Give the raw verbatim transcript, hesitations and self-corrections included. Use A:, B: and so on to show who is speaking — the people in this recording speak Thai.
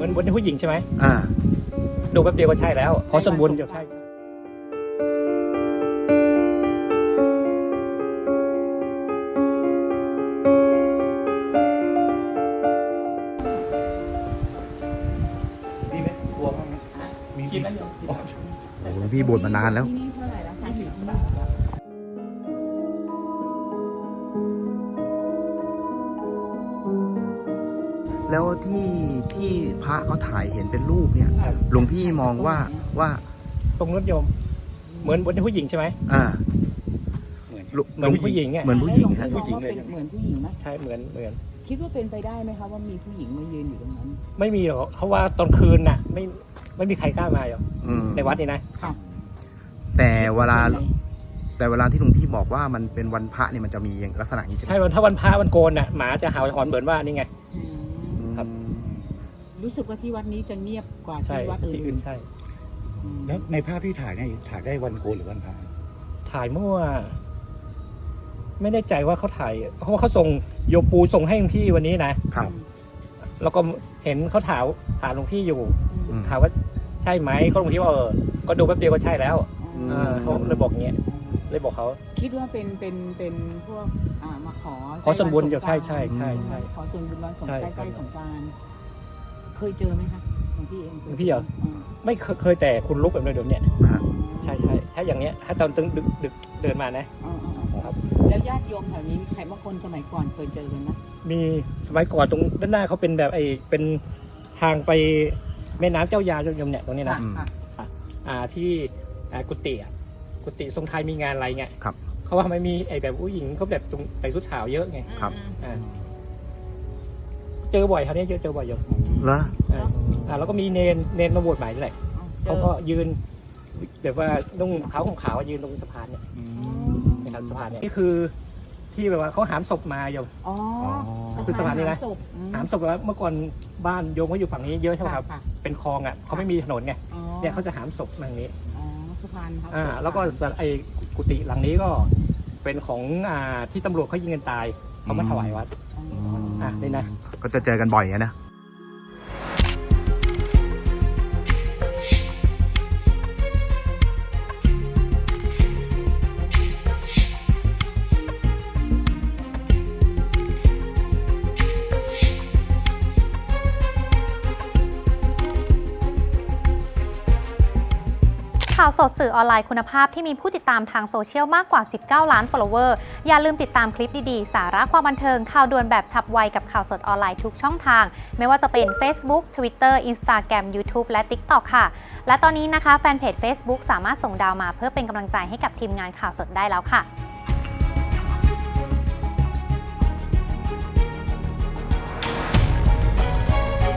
A: มือนบนผู้หญิงใช่ไหม
B: อ่า
A: ดูแป๊บเดียวก็ใช่แล้วขอส่วนบุญจะใช่
C: ดีไหมกลัวบ้างไหมมี
A: กินแล้วยัง
B: โอ้โหพี่บวชมานานแล้ว
D: ที่นี่เท่าไหร่แล้วคะที่นี่
B: แล้วที่ที่พระเขาถ่ายเห็นเป็นรูปเนี่ยหลวงพี่มองว่าว่า
A: ตรงรถโยม เหมือนบนผู้หญิงใช่ไหม
B: อ่า
C: เหมือน
A: เหมือนผู้หญิงอ่ะ
B: เหมือนผู้หญิง
D: แล้
B: ฮะ
D: วลองมองว่าเป็นเหมือนผู้หญิงไหม
A: ใช่เหมือนเหมือน
D: คิดว่าเป็นไปได้ไหมคะว่ามีผู้หญิงมายืนอยู่ตรงนั้น
A: ไม่มีหรอกเพราะว่าตอนคืนน่ะ ไม่ไม่มีใครกล้ามาหรอก
B: อืม
A: ในวัดนี่นะ
D: ค่ะ
B: แต่เวลาแต่เวลาที่หลวงพี่บอกว่ามันเป็นวันพระเนี่ยมันจะมีลักษณะอย่างนี้ใช่ไหม
A: ใช่วันถ้าวันพระวันโกนน่ะหมาจะเห่าหอนเหมือนว่านี่ไง
D: อืม
A: ครับ
D: รู้สึกว่าที่วัดนี้จะเงียบกว่า
A: ใช่
D: ที่วัดอื่
A: ที่อื่
D: น
A: นใช่
D: อืม
C: แล้วในภาพที่ถ่ายเนี่ยถ่ายได้วันโกนหรือวันพระ
A: ถ่ายเมื่อไม่แน่ใจว่าเขาถ่ายเพราะว่าเขาส่งโยปูส่งให้หลวงพี่วันนี้นะครับ แล้วก็เห็นเขาถามถามหลวงพี่อยู่
D: อืม
A: ถามว่าใช่ไหมเขาหลวงพี่ว่าเออก็ดูแป๊บเดียวก็ใช่แล้ว
B: อืม
A: เออเขาเลยบอกเงี้ยเลยบอกเขา
D: คิดว่าเป็นเป็นเป็นพวกอ่ามาขอ
A: ขอส่วนบุญเดี๋ยว
D: ใกล้
A: ใช่ใช่ใช่
D: วันสงกรานต์
A: ใช่
D: ขอส่วนบุญวันสง
A: ใช่
D: ใกล้ๆสงกรานต์เคยเจอไหมคะหลวงพี่เองคย
A: หลวงพี่เหรอ
D: อืม
A: ไม่เคยเคยแต่คุณลุกแบบเดิมๆเนี่ย
B: ฮะ
A: ใช่ใช่ถ้าอย่างเนี้ยถ้าตอนตึงดึกดึกเดินมานะ
D: อ๋ออ๋ออ๋อ
A: ครับ
D: แล้วญาติโยมแถวนี้มีใครบางคนสมัยก่อนเคยเจอกันนะ
A: มีสมัยก่อนตรงด้านหน้าเขาเป็นแบบไอ้เป็นทางไปแม่น้ำเจ้ายาโยมเนี่ยตรงนี้นะ
D: ค่ะค่ะ
A: อ่าที่อ่ากุฏิอ่ะกุฏิทรงไทยมีงานอะไรเงี้ย
B: ครับ
A: เขาว่าทำไมมีไอ้แบบผู้หญิงเขาแบบตรงใส่ชุดขาวเยอะไง
B: ครับ
A: อ่าเจอบ่อยครับเนี่ยเจอเจอบ่อยอยู่
B: เหรอ
A: อ่าอ่าแล้วก็มีเนนเนนมาบวชใหม่นี่แหละ
D: เจ
A: เขา
D: อ
A: ก็ยืนแบบว่านุ่งขาวของขาวยืนตรงสะพานเนี่ยนะครับสะพานเนี่ยนี่คือที่แบบว่าเขาหามศพมาโยม
D: อ๋อ
A: คือสะพานนี้นะ
D: ศพอืม
A: หามศพแบบว่าเมื่อก่อนบ้านโยมเขาอยู่ฝั่งนี้เยอะใช่ไหมครับ
D: ค่ะ
A: เป็นคลองอ่ะเขาไม่มีถนนไง
D: อ๋อ
A: เนี่ยเขาจะหามศพมาอย่างนี้
D: อ๋อสะพานครับ
A: อ่าแล้วก็สไอ้กุฏิหลังนี้ก็เป็นของอ่าที่ตำรวจเขายิงกันตายเขามาถวายวัด
D: อ๋อ
A: อ่ะนี่นะ
B: ก็จะเจอกันบ่อยอะนะ
E: ข่าวสดสื่อออนไลน์คุณภาพที่มีผู้ติดตามทางโซเชียลมากกว่า สิบเก้า ล้าน follower อย่าลืมติดตามคลิปดีๆ สาระความบันเทิง ข่าวด่วนแบบฉับไวกับข่าวสดออนไลน์ทุกช่องทาง ไม่ว่าจะเป็น Facebook Twitter Instagram YouTube และ TikTok ค่ะ และตอนนี้นะคะแฟนเพจ Facebook สามารถส่งดาวมาเพื่อเป็นกำลังใจให้กับทีมงานข่าวสดได้แล้วค่ะ